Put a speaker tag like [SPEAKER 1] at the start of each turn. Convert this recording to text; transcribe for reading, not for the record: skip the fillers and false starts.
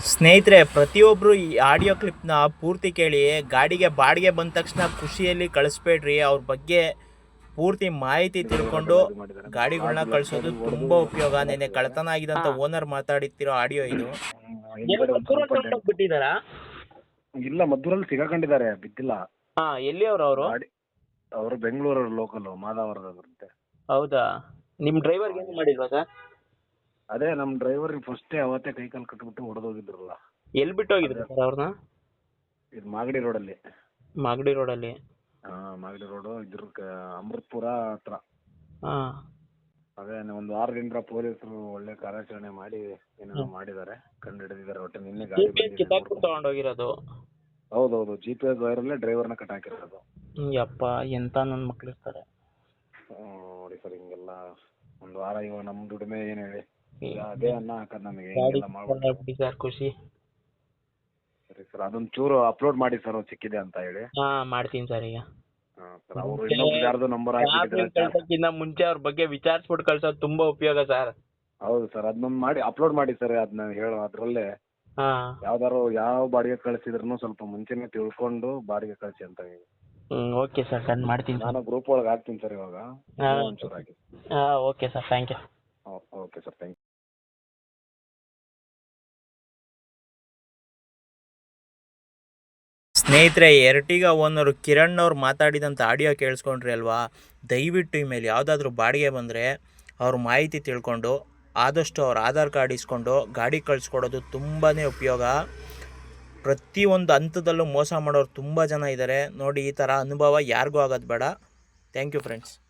[SPEAKER 1] ಸ್ನೇಹಿತರೆ, ಪ್ರತಿಯೊಬ್ಬರು ಈ ಆಡಿಯೋ ಕ್ಲಿಪ್ನ ಪೂರ್ತಿ ಕೇಳಿ. ಗಾಡಿಗೆ ಬಾಡಿಗೆ ಬಂದ ತಕ್ಷಣ ಖುಷಿಯಲ್ಲಿ ಕಳಿಸ್ಬೇಡ್ರಿ. ಅವ್ರ ಬಗ್ಗೆ ಪೂರ್ತಿ ಮಾಹಿತಿ ತಿಳ್ಕೊಂಡು ಗಾಡಿಗಳನ್ನ ಕಳಿಸೋದು ತುಂಬ ಉಪಯೋಗ. ನೆನ್ನೆ ಕಳ್ತನ ಆಗಿದಂತ ಓನರ್ ಮಾತಾಡಿತಿರೋ ಆಡಿಯೋ ಇದು. ಬಿಟ್ಟಿದಾರಾ?
[SPEAKER 2] ಇಲ್ಲ, ಮದ್ದೂರಲ್ಲಿ ಸಿಗಾಕೊಂಡಿದ್ದಾರೆ, ಬಿದ್ದಿಲ್ಲ.
[SPEAKER 1] ಎಲ್ಲಿ ಅವರು?
[SPEAKER 2] ಅವರು ಬೆಂಗಳೂರು ಲೋಕಲ್, ಮಾದಾವರದ ಬರುತ್ತೆ.
[SPEAKER 1] ಹೌದಾ? ನಿಮ್ಮ ಡ್ರೈವರ್ಗೆ ಏನು ಮಾಡಿಲ್ವಾ ಸರ್?
[SPEAKER 2] ಅದೇ ನಮ್ಮ ಡ್ರೈವರ್ ಫಸ್ಟೇ ಅವತ್ತೇ ಕೈ ಕಾಲು ಕಟ್ಬಿಟ್ಟು ಹೊಡೆದೋಗಿದ್ರಲ್ಲ.
[SPEAKER 1] ಎಲ್ಲಿ ಬಿಟ್ಟು ಹೋಗಿದ್ರು ಸರ್ ಅವ್ರನ್ನ?
[SPEAKER 2] ಇದು ಮಾಗಡಿ ರೋಡಲ್ಲಿ.
[SPEAKER 1] ಮಾಗಡಿ ರೋಡಲ್ಲಿ?
[SPEAKER 2] ಮಾಗಡಿ ರೋಡು, ಅಮೃತಪುರ ಹತ್ರ. ಅದೇ ಒಂದು ವಾರದಿಂದ ಪೊಲೀಸರು ಒಳ್ಳೆ ಕಾರ್ಯಾಚರಣೆ ಮಾಡಿ ಏನೋ ಮಾಡಿದ್ದಾರೆ, ಕಂಡು ಹಿಡಿದಿದ್ದಾರೆ. ಒಟ್ಟು ನಿನ್ನೆ ಗಾಡಿ
[SPEAKER 1] ತಗೊಂಡೋಗಿರೋದು?
[SPEAKER 2] ಹೌದೌದು, GPS ವೈರಲ್ಲೇ ಡ್ರೈವರ್ನ ಕಟ್ ಹಾಕಿರೋದು.
[SPEAKER 1] ಯಪ್ಪ, ಎಂತ ನನ್ನ ಮಕ್ಳು ಇರ್ತಾರೆ
[SPEAKER 2] ನೋಡಿ ಸರ್. ಹಿಂಗೆಲ್ಲ ಒಂದು ವಾರ ಇವಾಗ ನಮ್ಮ ದುಡಿಮೆ ಏನು ಹೇಳಿ, ಅದೇ ಅನ್ನ ಹಾಕೋದು ನಮಗೆ. ಹಿಂಗೆಲ್ಲ ಮಾಡ್ಬಿಟ್ಟು
[SPEAKER 1] ಸರ್ ಖುಷಿ.
[SPEAKER 2] ಸರಿ ಸರ್, ಅದೊಂದು ಚೂರು ಅಪ್ಲೋಡ್ ಮಾಡಿ ಸರ್, ಸಿಕ್ಕಿದೆ ಅಂತ ಹೇಳಿ.
[SPEAKER 1] ಮಾಡ್ತೀನಿ ಸರ್. ಈಗ
[SPEAKER 2] ಸರ್, ಅವರು ಇನ್ನೊಬ್ರು ಯಾರ್ದು ನಂಬರ್
[SPEAKER 1] ಹಾಕಿದ್ರೆ ಮುಂಚೆ ಅವ್ರ ಬಗ್ಗೆ ವಿಚಾರಿಸ್ಬಿಟ್ಟು ಕಳ್ಸೋದು ತುಂಬಾ ಉಪಯೋಗ ಸರ್.
[SPEAKER 2] ಹೌದು ಸರ್, ಅದನ್ನೊಂದು ಮಾಡಿ ಅಪ್ಲೋಡ್ ಮಾಡಿ ಸರ್. ಅದನ್ನ ಹೇಳೋ ಅದರಲ್ಲೇ ಯಾವ್ದಾರು ಯಾವ ಬಾಡಿಗೆ ಕಳಿಸಿದ್ರು ಸ್ವಲ್ಪ ಮುಂಚೆನೆ ತಿಳ್ಕೊಂಡು ಬಾಡಿಗೆ ಕಳಿಸಿ ಅಂತ ಹೇಳಿ.
[SPEAKER 1] ಓಕೆ ಸರ್, ಡನ್ ಮಾಡ್ತೀನಿ.
[SPEAKER 2] ನಾನು ಗ್ರೂಪ್ ಒಳಗೆ ಹಾಕ್ತೀನಿ ಸರ್ ಇವಾಗ, ಒಂಚೂರು ಹಾಕಿ.
[SPEAKER 1] Okay sir, thank you.
[SPEAKER 2] Okay sir, thank you.
[SPEAKER 1] ಸ್ನೇಹಿತರೆ, ಎರ್ಟಿಗಾ ಓನರು ಕಿರಣ್ ಅವ್ರು ಮಾತಾಡಿದಂಥ ಆಡಿಯೋ ಕೇಳಿಸ್ಕೊಂಡ್ರಿ ಅಲ್ವಾ? ದಯವಿಟ್ಟು ಇಮೇಲೆ ಯಾವುದಾದ್ರೂ ಬಾಡಿಗೆ ಬಂದರೆ ಅವ್ರ ಮಾಹಿತಿ ತಿಳ್ಕೊಂಡು ಆದಷ್ಟು ಅವ್ರ ಆಧಾರ್ ಕಾರ್ಡ್ ಇಸ್ಕೊಂಡು ಗಾಡಿ ಕಳಿಸ್ಕೊಡೋದು ತುಂಬಾ ಉಪಯೋಗ. ಪ್ರತಿಯೊಂದು ಹಂತದಲ್ಲೂ ಮೋಸ ಮಾಡೋರು ತುಂಬ ಜನ ಇದ್ದಾರೆ ನೋಡಿ. ಈ ಥರ ಅನುಭವ ಯಾರಿಗೂ ಆಗೋದು ಬೇಡ. Thank you friends.